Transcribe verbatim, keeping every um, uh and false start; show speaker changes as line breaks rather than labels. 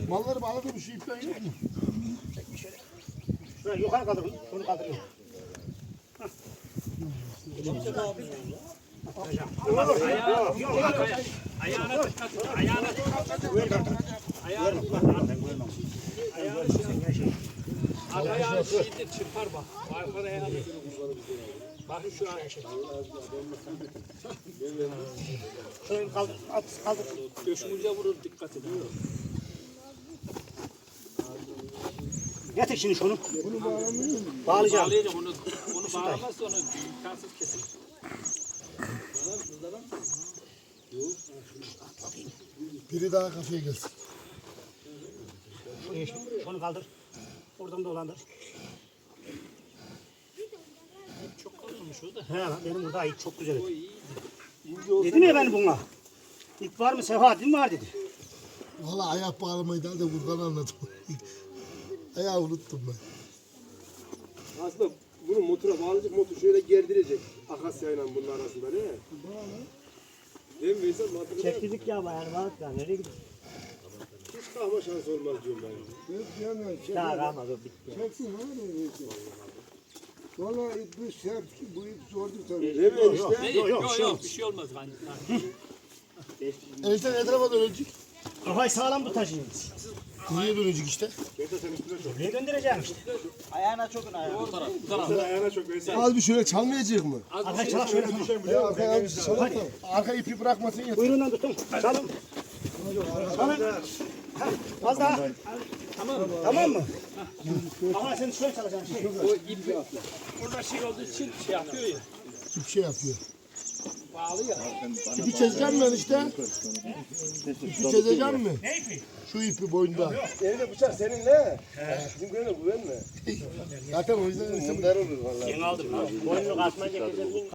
Malları bağladı bu şu ipten yok mu?
Şuraya yukarı kaldırın. Şunu kaldırın.
Ayağına dikkat et. Ayağına dikkat et. Ayağına Ayağını şey. Ayağını şeyde çırpar bak. Arkada ayağını. Bakın şu an.
Şurayı kaldır. At, kaldır.
Döşümüze vurur, dikkat edin.
Getir şimdi şunu.
Bunu bağlamıyor mu?
Bağlayacağım.
Bağlayacak onu. Onu bağlamazsa onu imkansız kesin.
Biri daha kafaya gelsin.
Şunu kaldır. Oradan dolandır.
Çok kalınmış o da.
He lan benim burada ip çok güzel.
O iyi.
Dedim ya ben buna. İp var mı Sefa? Dedim var dedi.
Valla ayak bağlamayı daha da buradan anladım. Ayağı unuttum ben.
Aslında bunu motora bağlayacak, motor şöyle gerdirecek. Akasyayla bunun arasında ne? Değil mi Veysel? Motoru
Çektirdik ya bayağı rahat ya. Nereye gidiyorsun?
hiç kalma şansı olmaz diyorum ben.
Yok yani çek.
Ya kalmadı o bitti.
Çeksin abi. Valla bu sert, bu ip zordu tabii.
Değil mi enişte?
Ne?
Yok,
Yok
yok,
yok,
şey
bir şey olmaz. Hani.
Enişten etrafa dönecek.
Kafayı sağlam tutacağım.
Niye dönecek işte?
Buraya göndereceğim işte.
O taraf. Bu taraf.
Sen ayağına çok Veysel.
Az bir şöyle çalmayacak mı?
Arkaya çalak şöyle tutun.
Ya arkaya az bir çalak da. Arka ipi bırakmasın ya.
Kuyruğundan tutun. Çalın. Çalın. Ha, az daha. Tamam. Tamam mı? Ama sen şöyle çalacaksın. Şey.
O ip orada şey olduğu için şey yapıyor ya.
Bir şey yapıyor.
Bağlı ya.
İpi çözeceğim ben işte. İpi çözeceğim mi?
Ne ipi?
Şu ipi boyunda.
Elinde bıçak senin ne? Bizim köyüne güvenme.
Zaten o yüzden
Bunlar olur vallahi.
Ben aldım. Boynunu kasma ceketini